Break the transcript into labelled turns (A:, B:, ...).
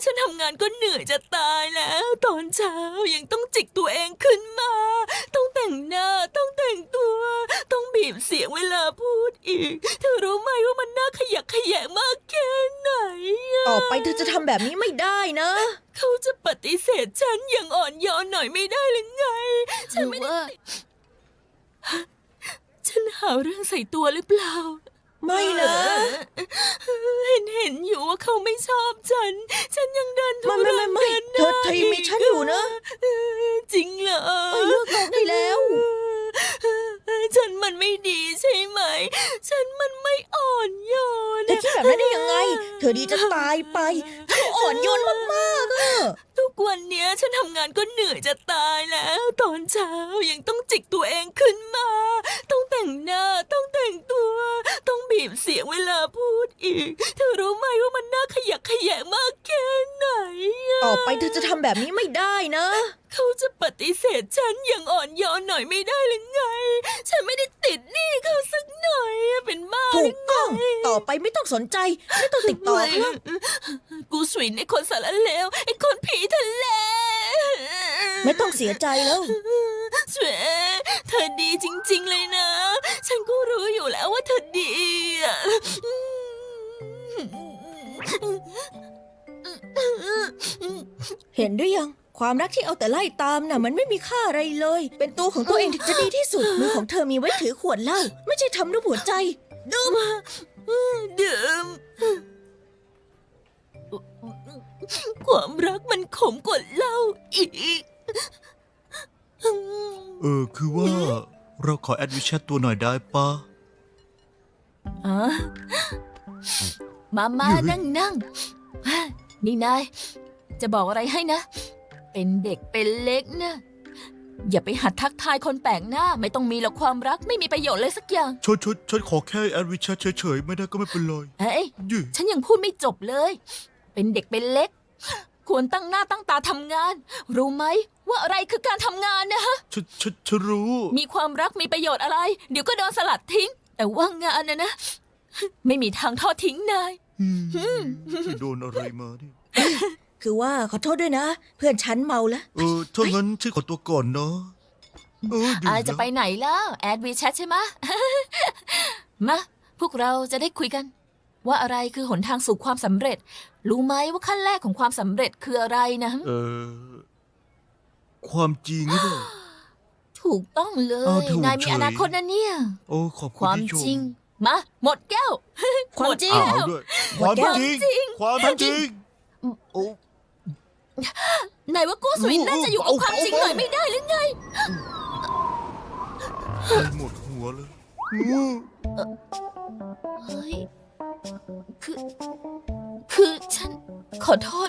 A: ฉันทำงานก็เหนื่อยจะตายแล้วตอนเช้ายังต้องจิกตัวเองขึ้นมาต้องแต่งหน้าต้องแต่งตัวต้องบีบเสียงเวลาพูดอีกเธอรู้ไหมว่ามันน่าขยักขยงมากแค่ไหน
B: ต่อไปเธอจะทำแบบนี้ไม่ได้นะ
A: เขาจะปฏิเสธฉันอย่างอ่อนโยนหน่อยไม่ได้หรือไงฉันไม่ได้ฉันหาเรื่องใส่ตัวหรือเปล่า
B: ไม่นะ
A: เห็นอยู่ว่าเขาไม่ชอบฉันยังเดินทุรน
B: ไม่เธอยังมีฉันอยู่นะ
A: จริงเหรอ
B: เลิกร้องได้แล้ว
A: ฉันมันไม่ดีใช่ไหมฉันมันไม่อ่อนโยน
B: เธอคิดแบบนั้นได้ยังไงเธอดีจะตายไปเธออ่อนโยนมากๆอะ
A: ทุกวันเนี้ยฉันทำงานก็เหนื่อยจะตายแล้วตอนเช้ายังต้องจิกตัวเองขึ้นมาต้องแต่งหน้าต้องแต่งตัวต้องบีบเสียงเวลาพูดอีกเธอรู้ไหมว่ามันน่าขยักขยงมากแค่ไหน
B: ต่อไปเธอจะทำแบบนี้ไม่ได้นะ
A: เขาจะปฏิเสธฉันอย่างอ่อนโยนหน่อยไม่ได้หรือไงฉันไม่ได้ติดหนี้เขาสักหน่อยเป็นบ้า
B: ถูกต้องต่อไปไม่ต้องสนใจไม่ต้องติดต่อเขา
A: กูสวินไอ้คนสารเลวไอ้คนผีทะเล
B: ไม่ต้องเสียใจแล้ว
A: สวยเธอดีจริงๆเลยนะฉันก็รู้อยู่แล้วว่าเธอดีอะ
B: เห็นหรือยังความรักที่เอาแต่ไล่ตามน่ะมันไม่มีค่าอะไรเลยเป็นตัวของตัวเองถึงจะดีที่สุดมือของเธอมีไว้ถือขวดเหล้าไม่ใช่ทำด้วยหัวใจดื่ม
A: ความรักมันขมกว่าเหล้าอีก
C: คือว่าเราขอแอดวิชแชทตัวหน่อยได้ปะ
A: มานั่งนี่นายจะบอกอะไรให้นะเป็นเด็กเป็นเล็กนะอย่าไปหัดทักทายคนแปลกหน้าไม่ต้องมีหรอกความรักไม่มีประโยชน์เลยสักอย่าง
C: ฉันขอแค่แอดวิชแชทเฉยๆไม่ได้ก็ไม่เป็นไร
A: ฉันยังพูดไม่จบเลยเป็นเด็กเป็นเล็กควรตั้งหน้าตั้งตาทำงานรู้ไหมว่าอะไรคือการทำงานนะฮะ
C: ฉันรู้
A: มีความรักมีประโยชน์อะไรเดี๋ยวก็โดนสลัดทิ้งแต่ว่างานนะไม่มีทางทอดทิ้งนาย
C: โดนอะไรมาดิ
B: คือว่าขอโทษด้วยนะเพื่อนฉันเมาแล้ว
C: ถ้างั้นฉันขอตัวก่อนเนาะ
A: จะไปไหนแล้วแอดวีแชทใช่ไหมมาพวกเราจะได้คุยกันว่าอะไรคือหนทางสู่ความสำเร็จรู้ไหมว่าขั้นแรกของความสำเร็จคืออะไรนะ
C: ความจริงหรือเปล่า
A: ถูกต้องเลยนายมีอนาคตนะเนี่ย
C: ขอบคุณ
A: ความจริงมาหมดแก้ว
B: ความจริง
C: ความจริง
A: นายว่ากู้สวินน่าจะอยู่กับความจริงหน่อยไม่ได้หรือไง
C: หมดหัวเลย
A: เฮ้ยคือฉันขอโทษ